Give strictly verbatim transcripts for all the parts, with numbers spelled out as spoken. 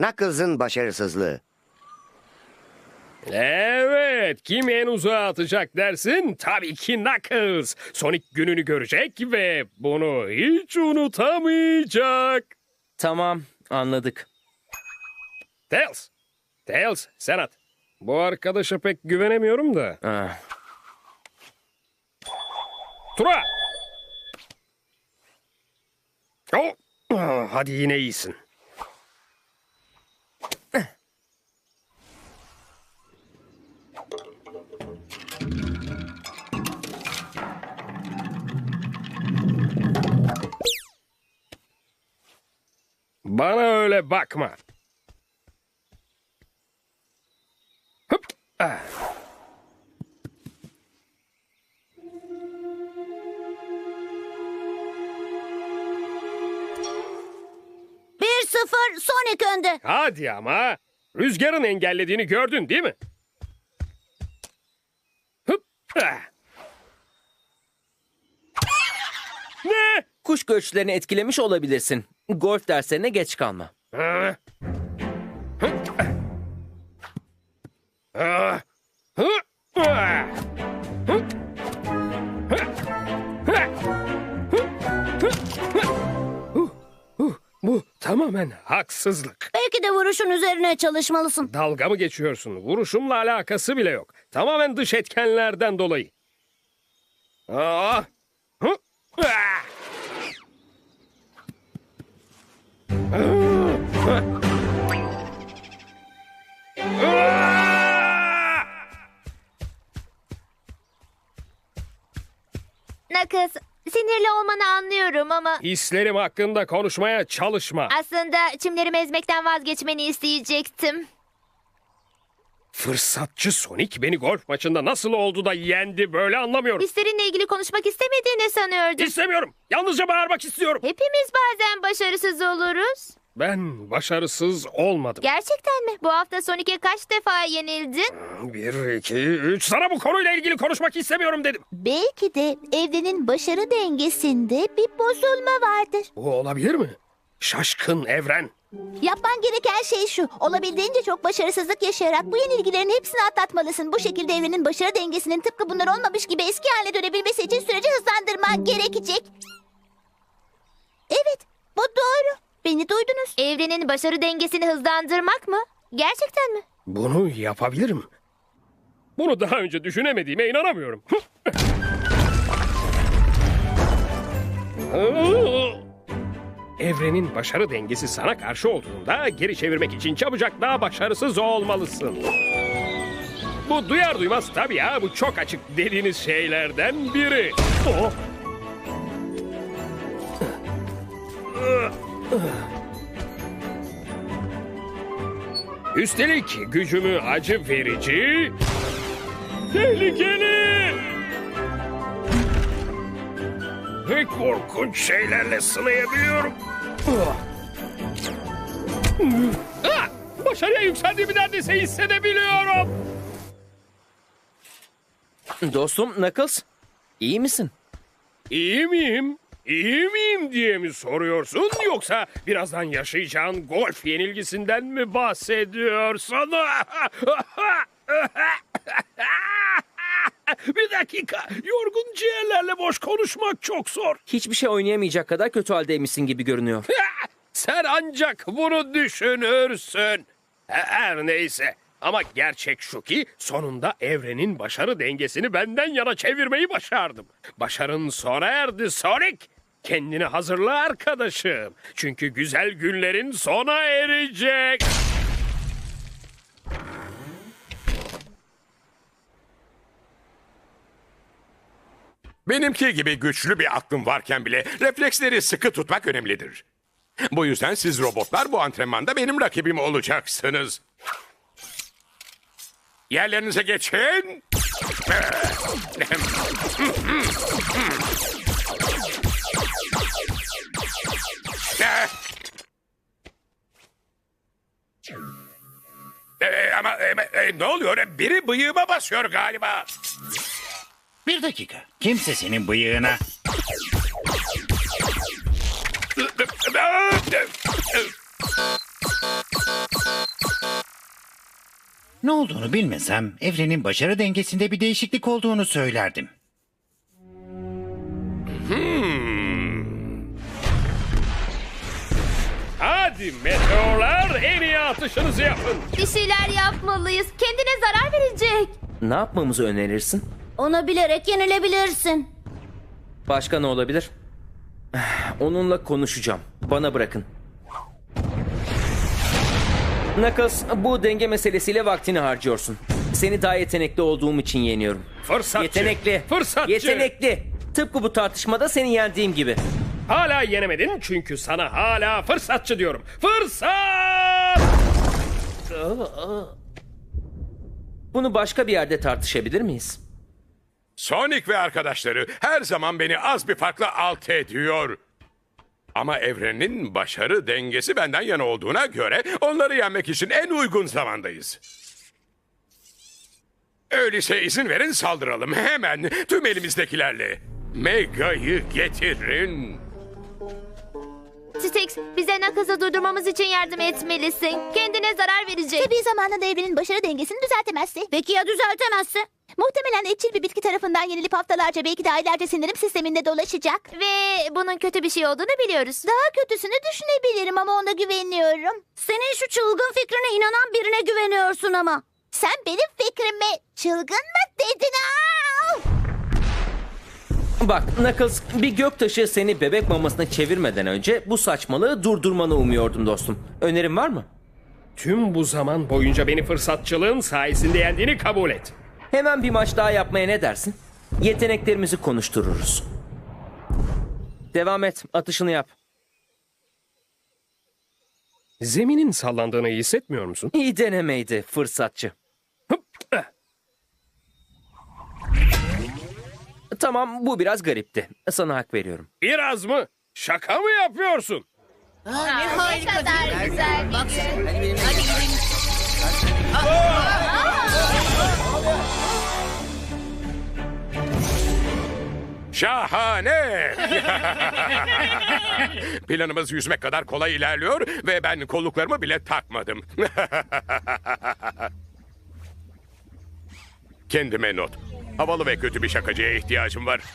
Knuckles'ın başarısızlığı. Evet, kim en uzağa atacak dersin? Tabii ki Knuckles. Sonic gününü görecek ve bunu hiç unutamayacak. Tamam, anladık. Tails, Tails sen at. Bu arkadaşa pek güvenemiyorum da. Ah, Tura! Oh, ah, hadi yine iyisin. Bana öyle bakma. Hıp. Ah. bir sıfır Sonic önde. Hadi ama. Rüzgarın engellediğini gördün değil mi? Hıp. Ah. Ne? kuş göçlerini etkilemiş olabilirsin. Golf derslerine geç kalma. Ah. Hı. Ah. Hı. Ah. Hı. Hı. Hı. Hı. Hı. Huh, huh. Bu tamamen haksızlık. Belki de vuruşun üzerine çalışmalısın. Dalga mı geçiyorsun? Vuruşumla alakası bile yok. Tamamen dış etkenlerden dolayı. Aa! Hı! Ah! Ah! Knuckles, sinirli olmanı anlıyorum ama Hislerim hakkında konuşmaya çalışma. aslında çimlerimi ezmekten vazgeçmeni isteyecektim. Fırsatçı Sonic beni golf maçında nasıl oldu da yendi böyle anlamıyorum. Hislerinle ilgili konuşmak istemediğini sanıyordum. İstemiyorum. Yalnızca bağırmak istiyorum. Hepimiz bazen başarısız oluruz. Ben başarısız olmadım. Gerçekten mi? Bu hafta Sonic'e kaç defa yenildin? Bir, iki, üç. Sana bu konuyla ilgili konuşmak istemiyorum dedim. Belki de evrenin başarı dengesinde bir bozulma vardır. Bu olabilir mi? Şaşkın evren. Yapman gereken şey şu. Olabildiğince çok başarısızlık yaşayarak bu yenilgilerin hepsini atlatmalısın. Bu şekilde evrenin başarı dengesinin tıpkı bunlar olmamış gibi eski haline dönebilmesi için süreci hızlandırman gerekecek. Evet, bu doğru. Beni duydunuz. Evrenin başarı dengesini hızlandırmak mı? Gerçekten mi? Bunu yapabilirim. Bunu daha önce düşünemediğime inanamıyorum. Evrenin başarı dengesi sana karşı olduğunda geri çevirmek için çabucak daha başarısız olmalısın. Bu duyar duymaz tabii ya. Bu çok açık dediğiniz şeylerden biri. Oh. Üstelik gücümü acı verici, tehlikeli ve korkunç şeylerle sınayabiliyorum. Ah! Başarıya yükseldiğimi neredeyse hissedebiliyorum. Dostum Knuckles, iyi misin? İyi miyim? İyi miyim diye mi soruyorsun yoksa birazdan yaşayacağın golf yenilgisinden mi bahsediyorsun? Bir dakika. Yorgun ciğerlerle boş konuşmak çok zor. Hiçbir şey oynayamayacak kadar kötü haldeymişsin gibi görünüyor. Sen ancak bunu düşünürsün. Her neyse. Ama gerçek şu ki sonunda evrenin başarı dengesini benden yana çevirmeyi başardım. Başarın sona erdi Sonic. Kendini hazırla arkadaşım. Çünkü güzel günlerin sona erecek. Benimki gibi güçlü bir aklım varken bile refleksleri sıkı tutmak önemlidir. Bu yüzden siz robotlar bu antrenmanda benim rakibim olacaksınız. Yerlerinize geçin. Ee, ama e, e, ne oluyor? Biri bıyığıma basıyor galiba. Bir dakika. Kimse senin bıyığına... Ne olduğunu bilmesem evrenin başarı dengesinde bir değişiklik olduğunu söylerdim. Hadi meteorlar, en iyi atışınızı yapın. Bir şeyler yapmalıyız. Kendine zarar verecek. Ne yapmamızı önerirsin? Onu bilerek yenilebilirsin. Başka ne olabilir? Onunla konuşacağım. Bana bırakın. Knuckles, bu denge meselesiyle vaktini harcıyorsun. Seni daha yetenekli olduğum için yeniyorum. Fırsatçı. Yetenekli. Fırsatçı. Yetenekli. Tıpkı bu tartışmada seni yendiğim gibi. Hala yenemedin çünkü sana hala fırsatçı diyorum. Fırsat! Bunu başka bir yerde tartışabilir miyiz? Sonic ve arkadaşları her zaman beni az bir farkla alt ediyor. Ama evrenin başarı dengesi benden yana olduğuna göre onları yenmek için en uygun zamandayız. Öyleyse izin verin saldıralım hemen tüm elimizdekilerle. Mega'yı getirin. Stix, bize Knuckles'ı durdurmamız için yardım etmelisin. Kendine zarar verecek. Tabii zamanında evrenin başarı dengesini düzeltemezse. Peki ya düzeltemezse? Muhtemelen etçil bir bitki tarafından yenilip haftalarca belki de aylarca sindirim sisteminde dolaşacak. Ve bunun kötü bir şey olduğunu biliyoruz. Daha kötüsünü düşünebilirim ama ona güveniyorum. Senin şu çılgın fikrine inanan birine güveniyorsun ama. Sen benim fikrime çılgın mı dedin? Aa! Bak Knuckles, bir göktaşı seni bebek mamasına çevirmeden önce bu saçmalığı durdurmanı umuyordum dostum. Önerin var mı? Tüm bu zaman boyunca beni fırsatçılığın sayesinde yendiğini kabul et. Hemen bir maç daha yapmaya ne dersin? Yeteneklerimizi konuştururuz. Devam et, atışını yap. Zeminin sallandığını iyi hissetmiyor musun? İyi denemeydi fırsatçı. Hıp, eh. Tamam, bu biraz garipti. Sana hak veriyorum. Biraz mı? Şaka mı yapıyorsun? Ne kadar güzel bir gün. Şahane! Planımız yüzmek kadar kolay ilerliyor ve ben kolluklarımı bile takmadım. Kendime not. Havalı ve kötü bir şakacıya ihtiyacım var.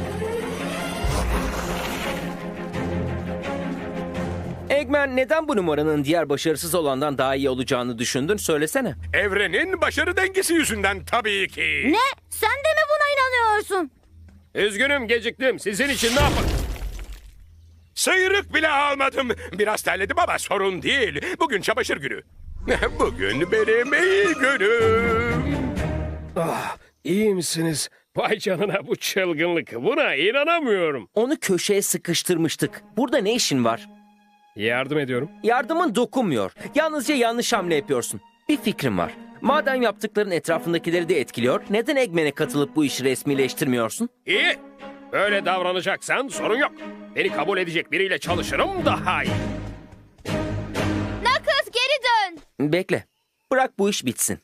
Eggman, neden bu numaranın diğer başarısız olandan daha iyi olacağını düşündün? Söylesene. Evrenin başarı dengesi yüzünden tabii ki. Ne? Sen de mi buna inanıyorsun? Üzgünüm, geciktim. Sizin için ne yapın? Sıyrık bile almadım. Biraz terledim ama sorun değil. Bugün çamaşır günü. Bugün benim iyi günüm. Ah, iyi misiniz? Vay canına, bu çılgınlık. Buna inanamıyorum. Onu köşeye sıkıştırmıştık. Burada ne işin var? Yardım ediyorum. Yardımın dokunmuyor. Yalnızca yanlış hamle yapıyorsun. Bir fikrim var. Madem yaptıkların etrafındakileri de etkiliyor, neden Eggman'e katılıp bu işi resmileştirmiyorsun? İyi. Böyle davranacaksan sorun yok. Beni kabul edecek biriyle çalışırım daha iyi. Knuckles, geri dön. Bekle. Bırak bu iş bitsin.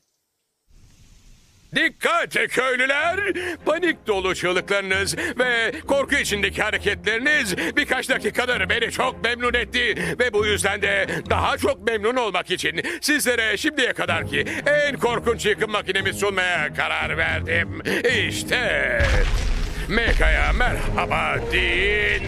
Dikkat köylüler! Panik dolu çığlıklarınız ve korku içindeki hareketleriniz birkaç dakikadır beni çok memnun etti. Ve bu yüzden de daha çok memnun olmak için sizlere şimdiye kadarki en korkunç yıkım makinemi sunmaya karar verdim. İşte Mega'ya merhaba deyin.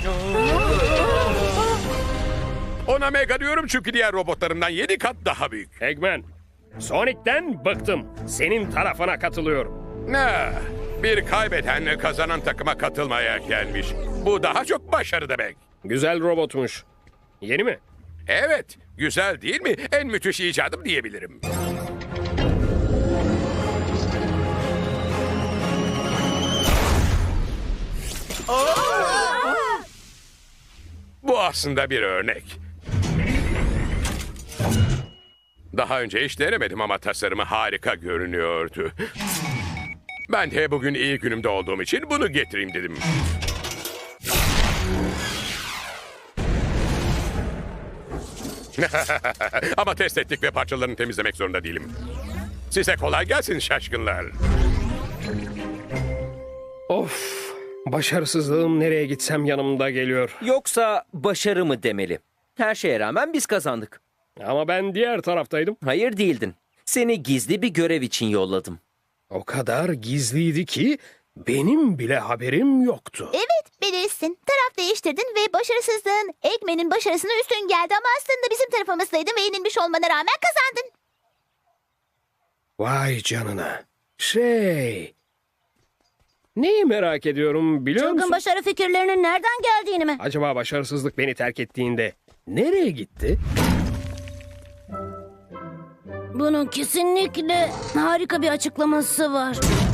Ona Mega diyorum çünkü diğer robotlarımdan yedi kat daha büyük. Eggman, Sonic'ten bıktım. Senin tarafına katılıyorum. Ne? Bir kaybeden kazanan takıma katılmaya gelmiş. Bu daha çok başarı demek. Güzel robotmuş. Yeni mi? Evet, güzel değil mi? En müthiş icadım diyebilirim. Bu aslında bir örnek. Daha önce hiç denemedim ama tasarımı harika görünüyordu. Ben de bugün iyi günümde olduğum için bunu getireyim dedim. Ama test ettik ve parçalarını temizlemek zorunda değilim. Size kolay gelsin şaşkınlar. Of, başarısızlığım nereye gitsem yanımda geliyor. Yoksa başarı mı demeli? Her şeye rağmen biz kazandık. Ama ben diğer taraftaydım. Hayır değildin. Seni gizli bir görev için yolladım. O kadar gizliydi ki benim bile haberim yoktu. Evet, bilirsin. Taraf değiştirdin ve başarısızlığın Eggman'in başarısına üstün geldi ama aslında bizim tarafımızdaydın ve yenilmiş olmana rağmen kazandın. Vay canına. Şey... Neyi merak ediyorum biliyor musun? başarı fikirlerinin nereden geldiğini mi? Acaba başarısızlık beni terk ettiğinde nereye gitti? Bunun kesinlikle harika bir açıklaması var.